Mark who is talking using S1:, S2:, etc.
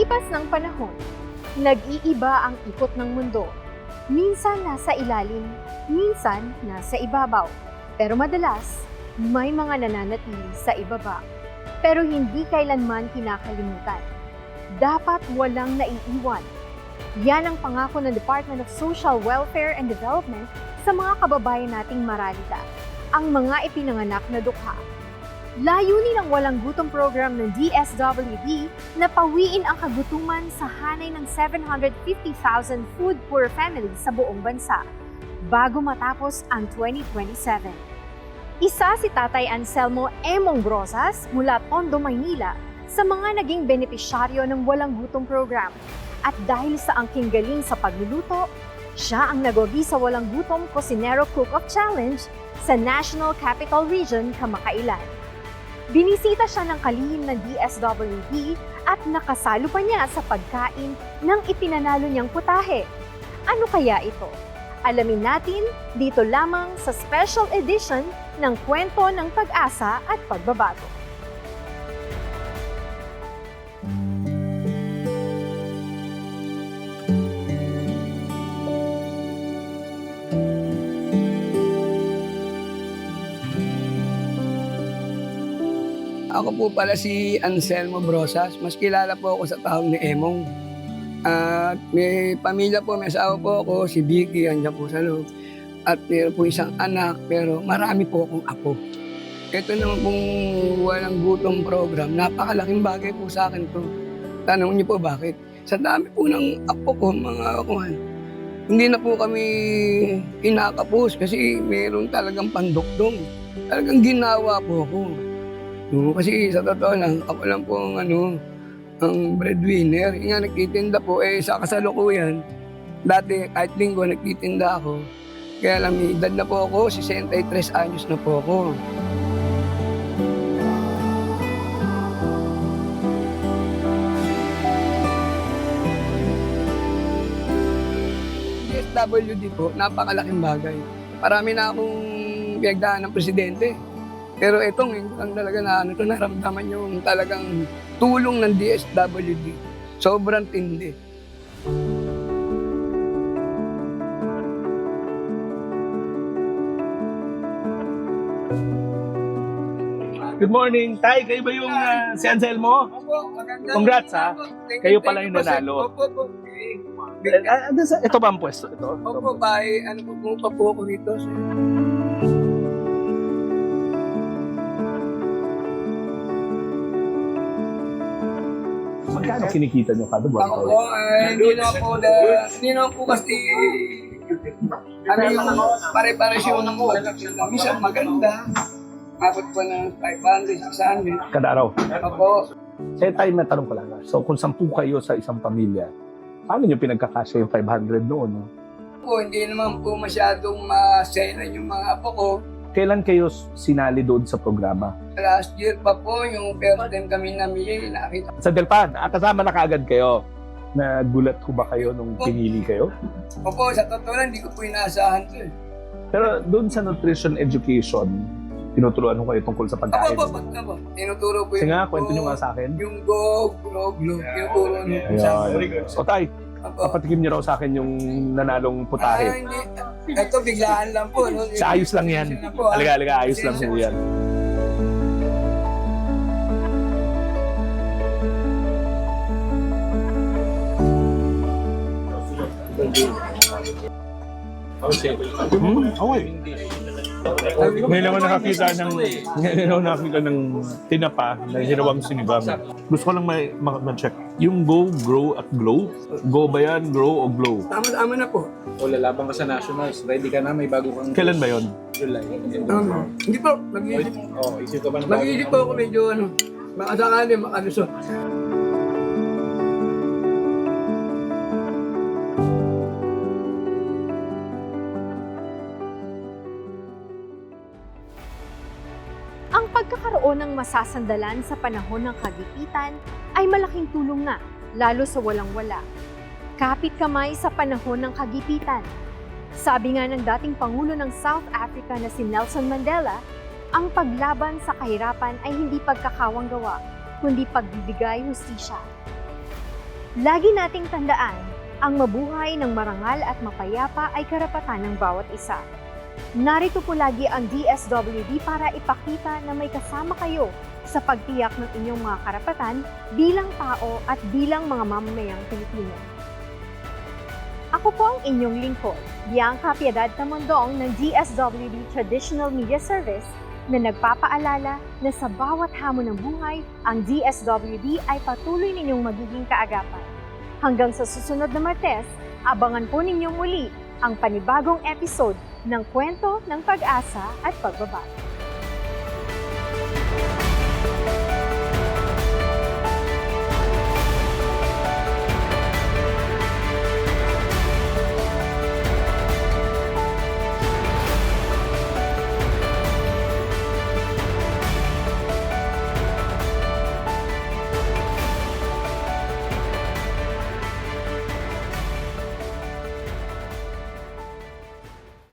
S1: Paglipas ng panahon, nag-iiba ang ikot ng mundo. Minsan nasa ilalim, minsan nasa ibabaw. Pero madalas, may mga nananatili sa ibaba. Pero hindi kailanman kinakalimutan. Dapat walang naiiwan. Yan ang pangako ng Department of Social Welfare and Development sa mga kababayan nating maralita, ang mga ipinanganak na dukha. Layunin ng Walang Gutom program ng DSWD na pawiin ang kagutuman sa hanay ng 750,000 food-poor families sa buong bansa bago matapos ang 2027. Isa si Tatay Anselmo Emong Brosas mula Tondo, Maynila sa mga naging benepisyaryo ng Walang Gutom program. At dahil sa angking galing sa pagluluto, siya ang nagwagi sa Walang Gutom Cocinero Cook-Off Challenge sa National Capital Region kamakailan. Binisita siya ng kalihim ng DSWD at nakasalo pa niya sa pagkain ng ipinanalo niyang putahe. Ano kaya ito? Alamin natin dito lamang sa special edition ng Kwento ng Pag-asa at Pagbabago.
S2: Ako po pala si Anselmo Brosas. Mas kilala po ako sa tawag ni Emong. At may pamilya po, may asawa po ako, si Vicky, andyan po sa loob. At mayroon po isang anak, pero marami po akong apo. Ito naman pong Walang Gutom program, napakalaking bagay po sa akin to. Tanong niyo po bakit? Sa dami po ng apo ko, mga kuhan, hindi na po kami kinakapos kasi mayroon talagang pandukdong. Talagang ginawa po ako. No, kasi sa totoo lang, ako lang po ang breadwinner. Yung nga nagtitinda po, sa kasalukuyan, dati kahit linggo nagtitinda ako. Kaya lang may edad na po ako, 63 anyos na po ako. DSWD po, napakalaking bagay. Marami na akong pinagdaan ng presidente. Pero ito ngayon lang talaga na naramdaman yung talagang tulong ng DSWD. Sobrang tindi.
S3: Good morning. Tay, kayo ba yung si Anselmo?
S2: Opo, maganda.
S3: Congrats, ha? Kayo pala yung nanalo.
S2: Opo, opo.
S3: Ito ba ang pwesto? Ito?
S2: Opo, bye. Pumunta po ako rito.
S3: Magkano kinikita nyo kada buwan?
S2: Ako po, hindi na po kasi yung pare-pares yung minsan maganda. Abot po ng 500, 600.
S3: Kada araw?
S2: Opo.
S3: Sa tayo na tanong ko lang. So kung 10 kayo sa isang pamilya, paano nyo pinagkakasya yung 500 noon? No?
S2: Po, hindi naman po masyadong maselan yung mga apo ko.
S3: Kailan kayo sinali doon sa programa?
S2: Last year pa po, yung first time kami namili, nakita.
S3: Sa Delpan, kasama na kaagad kayo. Nagulat ko ba kayo nung pinili kayo?
S2: Opo, sa totoo lang, hindi ko po inaasahan to eh.
S3: Pero doon sa nutrition education, tinuturuan ko kayo tungkol sa pagkain.
S2: Opo, tinuturo po
S3: Sige nga, kwento nyo nga sa akin.
S2: Yung go, tinuturo nyo po sa akin.
S3: So tay, papatikim niyo raw sa akin yung nanalong putahe.
S2: Hindi. Ito, biglaan lang po. No?
S3: Sa ayos lang yan. Alaga, ayos lang po yan. Okay. Ngayon naman nakakita ng tinapa na hinawang sinibam. Gusto ko lang ma-check. Yung Go, Grow at Glow? Go ba yan? Grow o Glow?
S2: Tama na po.
S4: O lalabang ka sa Nationals, ready ka na, may bago kang...
S3: Kailan ba yun?
S4: July.
S2: Hindi po, nag-iisip.
S4: Isip ka ba ng bago?
S2: Nag-iisip po ako medyo baka sakali makalusot.
S1: Ang pagkakaroon ng masasandalan sa panahon ng kagipitan ay malaking tulong nga, lalo sa walang-wala. Kapit kamay sa panahon ng kagipitan. Sabi nga ng dating Pangulo ng South Africa na si Nelson Mandela, ang paglaban sa kahirapan ay hindi pagkakawang gawa, kundi pagbibigay hustisya. Lagi nating tandaan, ang mabuhay ng marangal at mapayapa ay karapatan ng bawat isa. Narito po lagi ang DSWD para ipakita na may kasama kayo sa pagtiyak ng inyong mga karapatan bilang tao at bilang mga mamamayang Pilipino. Ako po ang inyong lingkod, Bianca Piedad Tamondong ng DSWD Traditional Media Service na nagpapaalala na sa bawat hamon ng buhay, ang DSWD ay patuloy ninyong magiging kaagapan. Hanggang sa susunod na Martes, abangan po ninyong muli ang panibagong episode ng Kwento ng Pag-asa at Pagbabago.